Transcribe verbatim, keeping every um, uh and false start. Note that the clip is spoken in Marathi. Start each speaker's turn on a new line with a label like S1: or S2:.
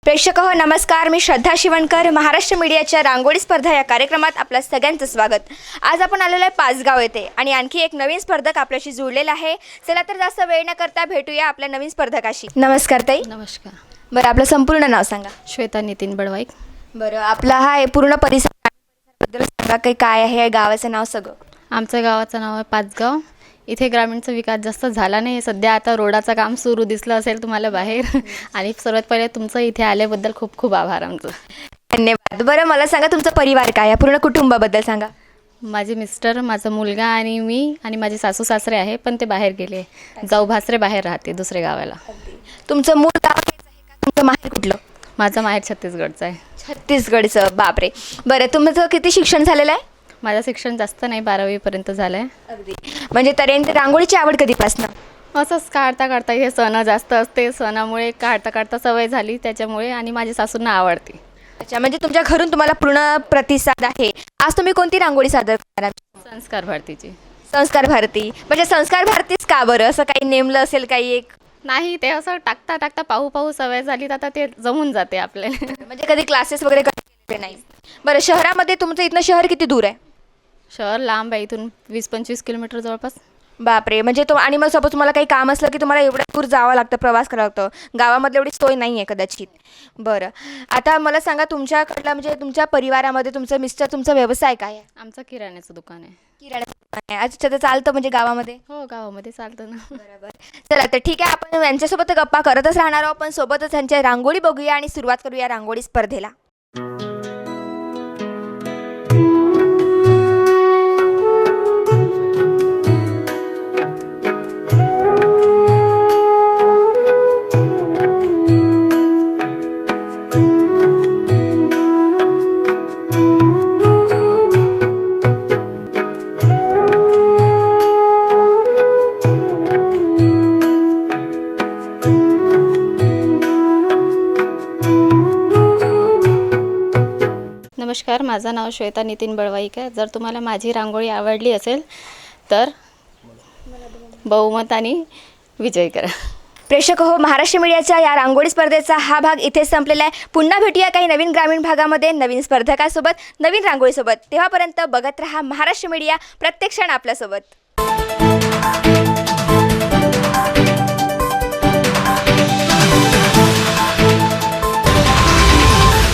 S1: प्रेक्षक हो नमस्कार, मी श्रद्धा शिवणकर. महाराष्ट्र मीडियाच्या रांगोळी स्पर्धा या कार्यक्रमात आपल्या सगळ्यांचं स्वागत. आज आपण आलेलो आहे पाचगाव येथे आणि आणखी एक नवीन स्पर्धक आपल्याशी जुळलेला आहे. चला तर जास्त वेळ न करता भेटूया आपल्या नवीन स्पर्धकाशी. नमस्कार ताई.
S2: नमस्कार.
S1: बरं, आपलं संपूर्ण नाव सांगा.
S2: श्वेता नितीन बडवाईक.
S1: बरं, आपला हा आहे पूर्ण परिसर बद्दल सांगा, काही काय आहे गावाचं नाव सगळं.
S2: आमच्या गावाचं नाव आहे पाचगाव. इथे ग्रामीणचा विकास जास्त झाला नाही. सध्या आता रोडाचं काम सुरू दिसलं असेल तुम्हाला बाहेर. आणि सर्वात पहिले तुमचं इथे आल्याबद्दल खूप खूप आभार आमचं.
S1: धन्यवाद. बरं, मला सांगा तुमचा परिवार काय आहे, पूर्ण कुटुंबाबद्दल सांगा.
S2: माझे मिस्टर, माझा मुलगा आणि मी आणि माझे सासू सासरे आहे, पण ते बाहेर गेले. जाऊ भासरे बाहेर राहते दुसऱ्या गावाला.
S1: तुमचं मूळ गाव हेच आहे का? तुमचं माहेर कुठलं?
S2: माझं माहेर छत्तीसगडचं आहे.
S1: छत्तीसगडचं. बापरे. बरं, तुमचं किती शिक्षण झालेलं आहे?
S2: माझं शिक्षण जास्त नाही, बारावीपर्यंत झालं आहे.
S1: अगदी. म्हणजे तऱ्हेने रांगोळीची आवड कधीपासून?
S2: असंच काढता काढता, हे सण जास्त असते, सणामुळे काढता काढता सवय झाली त्याच्यामुळे, आणि माझ्या सासूंना आवडते.
S1: अच्छा, म्हणजे तुमच्या घरून तुम्हाला पूर्ण प्रतिसाद आहे. आज तुम्ही कोणती रांगोळी सादर करणार?
S2: संस्कार भारतीची.
S1: संस्कार भारती. म्हणजे संस्कार भारतीच का बरं, असं काही नेमलं असेल काही एक?
S2: नाही, ते असं टाकता टाकता पाहू पाहू सवय झाली, तर आता ते जमून जाते आपल्याला.
S1: म्हणजे कधी क्लासेस वगैरे केले नाही? बरं, शहरामध्ये तुमचं इथनं शहर किती दूर आहे?
S2: शहर लांब आहे, इथून वीस पंचवीस किलोमीटर जवळपास.
S1: बापरे. म्हणजे तो आणि मग सपोज तुम्हाला काही काम असलं की तुम्हाला एवढं दूर जावं लागतं, प्रवास करावं लागतं. गावामधलं एवढी सोय नाही आहे कदाचित. बरं, आता मला सांगा तुमच्याकडला म्हणजे तुमच्या परिवारामध्ये तुमचं मिस्टर, तुमचा व्यवसाय काय आहे?
S2: आमचं किराण्याचं दुकान आहे.
S1: किराण्याचं दुकान आहे. अच्छा, तर चालतं म्हणजे गावामध्ये?
S2: हो, गावामध्ये चालतं ना.
S1: बरोबर. चला तर ठीक आहे, आपण यांच्यासोबत गप्पा करतच राहणार आहोत, पण सोबतच यांच्या रांगोळी बघूया आणि सुरुवात करूया रांगोळी स्पर्धेला.
S2: नमस्कार, माझं नाव श्वेता नितीन बडवाईक आहे. जर तुम्हाला माझी रांगोळी आवडली असेल तर बहुमताने विजय करा.
S1: प्रेक्षक हो, महाराष्ट्र मीडियाच्या या रांगोळी स्पर्धेचा हा भाग इथे संपलेला आहे. पुन्हा भेटूया काही नवीन ग्रामीण भागामध्ये नवीन स्पर्धकासोबत, नवीन रांगोळीसोबत. तेव्हापर्यंत बघत रहा महाराष्ट्र मीडिया, प्रत्येक क्षण आपल्यासोबत.